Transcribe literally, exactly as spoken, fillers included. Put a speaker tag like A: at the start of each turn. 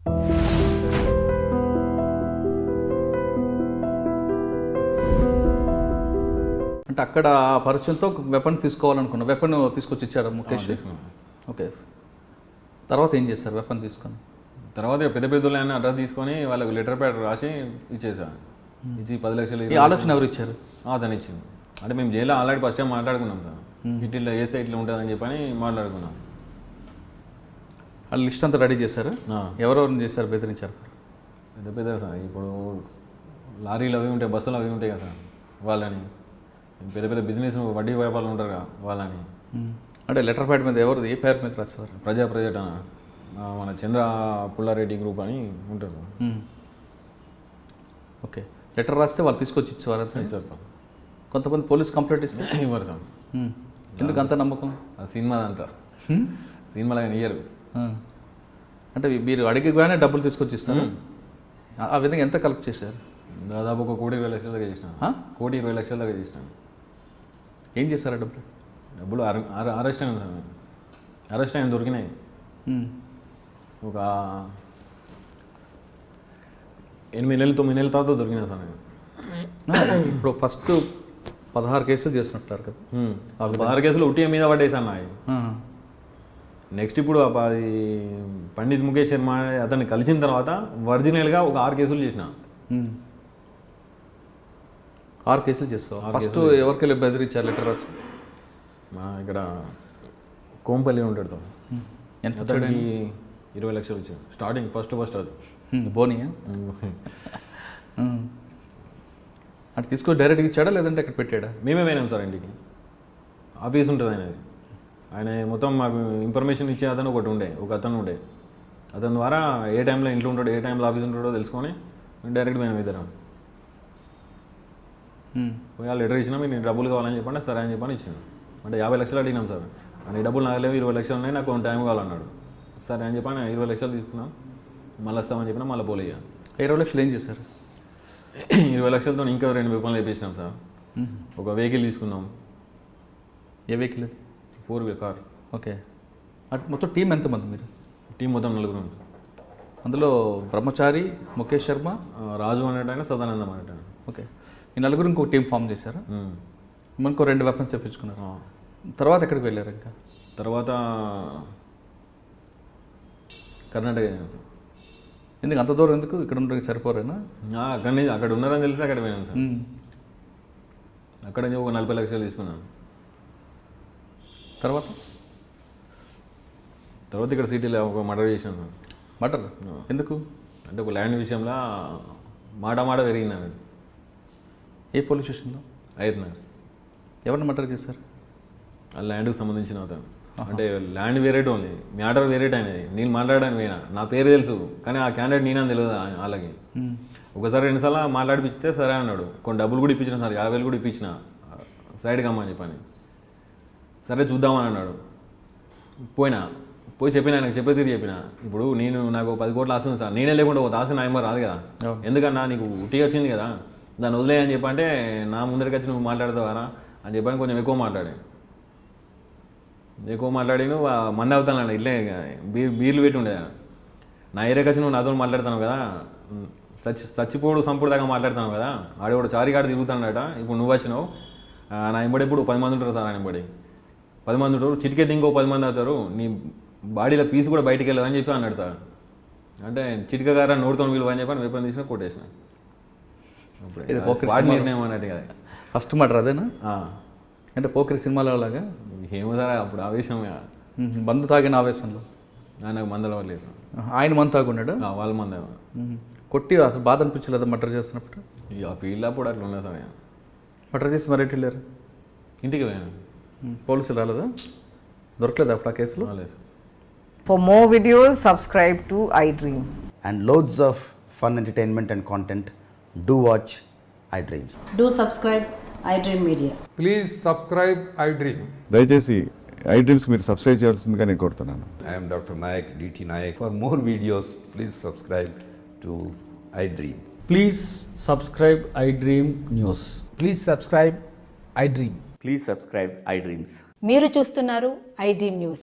A: అంటే అక్కడ పరిచయంతో ఒక వెపన్ తీసుకోవాలనుకున్నా, వెపన్ తీసుకొచ్చి ఇచ్చారు ముఖేష్. ఓకే, తర్వాత ఏం చేస్తారు వెపన్ తీసుకొని?
B: తర్వాత పెద్ద పెద్దలు అడ్రస్ తీసుకొని వాళ్ళకి లెటర్ ప్యాడ్ రాసి ఇచ్చేసా. ఇచ్చి పది లక్షలు
A: ఈ ఆలోచన ఎవరు ఇచ్చారు?
B: అతను ఇచ్చింది. అంటే మేము జైల్లో ఆల్రెడీ ఫస్ట్ టైం మాట్లాడుకున్నాం సార్, ఇట్లా వేస్తే ఇట్లా ఉంటుందని చెప్పని మాట్లాడుకున్నాం.
A: వాళ్ళు లిస్ట్ అంతా రెడీ చేశారు. ఎవరెవరిని చేశారు, బెదిరించారు?
B: పెద్ద పెద్ద సార్, ఇప్పుడు లారీలు అవి ఉంటాయి, బస్సులు అవి ఉంటాయి కదా సార్, వాళ్ళని పెద్ద పెద్ద బిజినెస్ వడ్డీ వ్యాపారాలు ఉంటారు కదా వాళ్ళని.
A: అంటే లెటర్ ప్యాడ్ మీద ఎవరు, ఏ పేరు మీద రాసేవారు?
B: ప్రజా ప్రజట మన చంద్ర పుల్లారెడ్డి గ్రూప్ అని ఉంటారు.
A: ఓకే, లెటర్ రాస్తే వాళ్ళు తీసుకొచ్చి ఇచ్చేవారు
B: సార్.
A: కొంతమంది పోలీస్ కంప్లైంట్ ఇస్తే
B: ఇవ్వరు సార్.
A: ఎందుకు అంత నమ్మకం?
B: ఆ సినిమా అంతా సినిమాలో ఇయ్యరు.
A: అంటే మీరు అడిగిగానే డబ్బులు తీసుకొచ్చి ఇస్తారు. ఆ విధంగా ఎంత కలెక్ట్ చేశారు?
B: దాదాపు ఒక కోటి ఇరవై లక్షల దాకా చేసినాను. కోటి ఇరవై లక్షల దాకా చేసినాను.
A: ఏం చేశారు డబ్బులు?
B: డబ్బులు అరెస్ట్ అయింది సార్, అరెస్ట్ అయిన దొరికినాయి. ఒక ఎనిమిది నెలలు తొమ్మిది నెలల తర్వాత దొరికినాయి సార్.
A: ఇప్పుడు ఫస్ట్ పదహారు కేసులు చేసినట్టారు కదా,
B: ఆ పదహారు కేసులు ఉట్టిగా మీద పడేసాను అవి. నెక్స్ట్ ఇప్పుడు అది పండిత్ ముఖేష్ శర్మ అతన్ని కలిసిన తర్వాత ఒరిజినల్గా ఒక ఆరు కేసులు చేసిన.
A: ఆరు కేసులు చేస్తావు. ఫస్ట్ ఎవరికెళ్ళి బెదిరించారు లెటర్ రాసి?
B: మా ఇక్కడ కోంపల్లి ఉంటాడు సార్.
A: ఎంత?
B: ఇరవై లక్షలు వచ్చాయి స్టార్టింగ్, ఫస్ట్ ఫస్ట్ అది
A: బోనియా. అంటే తీసుకొని డైరెక్ట్గా ఇచ్చాడా లేదంటే అక్కడ పెట్టాడా?
B: మేమే పోయినాం సార్ ఇంటికి. ఆఫీస్ ఉంటుంది ఆయనది. ఆయన మొత్తం మాకు ఇన్ఫర్మేషన్ ఇచ్చే అతను ఒకటి ఉండే, ఒక అతను ఉండే. అతని ద్వారా ఏ టైంలో ఇంట్లో ఉంటాడో, ఏ టైంలో ఆఫీస్ ఉంటాడో తెలుసుకొని డైరెక్ట్ మేము ఇద్దరం పోయి ఆ లెటర్ ఇచ్చినా మీరు డబ్బులు కావాలని చెప్పండి. సరే అని చెప్పని ఇచ్చాను. అంటే యాభై లక్షలు అడిగినాం సార్. అని డబ్బులు నాకు లేవు, ఇరవై లక్షలు ఉన్నాయి, నాకు టైం కావాలన్నాడు. సరే అని చెప్పని ఇరవై లక్షలు తీసుకున్నాం. మళ్ళీ వస్తామని చెప్పినా మళ్ళీ పోలే.
A: ఇరవై లక్షలు ఏం చేశారు?
B: ఇరవై లక్షలతో ఇంకా రెండు వెహికల్ తెప్పించినాం సార్. ఒక వెహికల్ తీసుకున్నాం.
A: ఏ వెహికల్ అది?
B: Four wheeler car.
A: ఓకే, అటు మొత్తం టీం ఎంతమంది మీరు?
B: టీం మొత్తం నలుగురు.
A: అందులో బ్రహ్మచారి, ముఖేష్ శర్మ,
B: రాజు అనేటైనా, సదానందం అనేటైనా.
A: ఓకే, ఈ నలుగురు ఇంకో టీం ఫామ్ చేశారు. మనకు రెండు వెపన్స్ తెప్పించుకున్నారు. తర్వాత ఎక్కడికి వెళ్ళారు? ఇంకా
B: తర్వాత కర్ణాటక.
A: ఎందుకు అంత దూరం? ఎందుకు ఇక్కడ ఉండడానికి సరిపోరేనా?
B: అక్కడ అక్కడ ఉన్నారని తెలిసి అక్కడ పోయినాం సార్. అక్కడ ఒక నలభై లక్షలు తీసుకున్నాను.
A: తర్వాత
B: తర్వాత ఇక్కడ సిటీలో ఒక మర్డర్ చేశాను.
A: మర్డర్ ఎందుకు?
B: అంటే ఒక ల్యాండ్ విషయంలో మాట మాట పెరిగింది అన్నట్టు.
A: ఏ పోలీస్ స్టేషన్లో?
B: అవుతున్నారు.
A: ఎవరిని మర్డర్ చేశారు?
B: ఆ ల్యాండ్కి సంబంధించిన అతను. అంటే ల్యాండ్ వేరేట్ ఉంది, మ్యాటర్ వేరేట్ అయినది. నేను మాట్లాడడానికి పోయినా, నా పేరు తెలుసు కానీ ఆ క్యాండిడేట్ నేనని తెలియదు వాళ్ళకి. ఒకసారి రెండుసార్లు మాట్లాడిపిస్తే సరే అన్నాడు. కొన్ని డబ్బులు కూడా ఇప్పించిన సార్, యాభై వేలు కూడా ఇప్పించిన సైడ్కి అమ్మని చెప్పని. సరే చూద్దామని అన్నాడు. పోయినా, పోయి చెప్పిన, ఆయనకు చెప్పే తీరు చెప్పిన. ఇప్పుడు నేను నాకు పది కోట్లు ఆస్తుంది సార్, నేనే లేకుండా ఒక ఆశ నాయమ రాదు కదా. ఎందుకన్నా నీకు ఉట్టి వచ్చింది కదా, దాన్ని వదిలే అని చెప్పంటే నా ముందరికి వచ్చి నువ్వు మాట్లాడతావారా అని చెప్పని కొంచెం ఎక్కువ మాట్లాడే ఎక్కువ మాట్లాడి నువ్వు మంది అవుతాను ఇట్లే బీర్ బీర్లు పెట్టి ఉండే. నా ఏరియాకి వచ్చి నువ్వు నాతో మాట్లాడుతున్నావు కదా, సచ్చి చచ్చిపోడు సంపుడు దాకా మాట్లాడుతున్నావు కదా. ఆడ కూడా చారికాడు తిరుగుతాడట. ఇప్పుడు నువ్వు వచ్చినావు, నా ఎంబడి ఇప్పుడు పది మంది ఉంటారు సార్. ఆయన ఎంబడి పది మంది ఉంటారు, చిటికెత్తి ఇంకో పది మంది అవుతారు, నీ బాడీలో పీస్ కూడా బయటికి వెళ్ళదని చెప్పి అన్నాడు సార్. అంటే చిటికగారా నోడుతో విలువ అని చెప్పి వెపన్ తీసుకుని కొట్టేసిన. నిర్ణయం అన్నట్టు కదా.
A: ఫస్ట్ మర్డర్ అదేనా? అంటే పోకరి సినిమాలో లాగా
B: ఏమో సార్, అప్పుడు ఆవేశంగా
A: మందు తాగిన ఆవేశంలో.
B: నాకు మందల లేదు.
A: ఆయన మందు తాగున్నాడు,
B: వాళ్ళ మంద
A: కొట్టి. అసలు బాధ అనిపించలేదు మర్డర్ చేస్తున్నప్పుడు?
B: ఇక ఫీల్డ్ అప్పుడు అట్లా ఉండదు సార్.
A: మర్డర్ చేసి మరి ఎటు వెళ్ళారు?
B: ఇంటికి పోయాను.
A: పోలీసులు రాలేదా? దొరకలేదు అప్పుడు ఆ కేసులో?
B: లేదు.
C: For more videos, subscribe to iDream.
D: And loads of fun entertainment and content, do watch iDreams.
E: Do subscribe iDream Media.
F: Please subscribe iDream.
G: దయచేసి iDreams మీరు సబ్స్క్రైబ్ చేయాల్సిందిగా నేను కోరుతున్నాను.
H: I am Doctor Nayak, D T Nayak. For more videos, please subscribe to iDream.
I: Please subscribe iDream News.
J: Please subscribe iDream.
K: Please subscribe iDreams.
E: మీరు చూస్తున్నారు iDream News.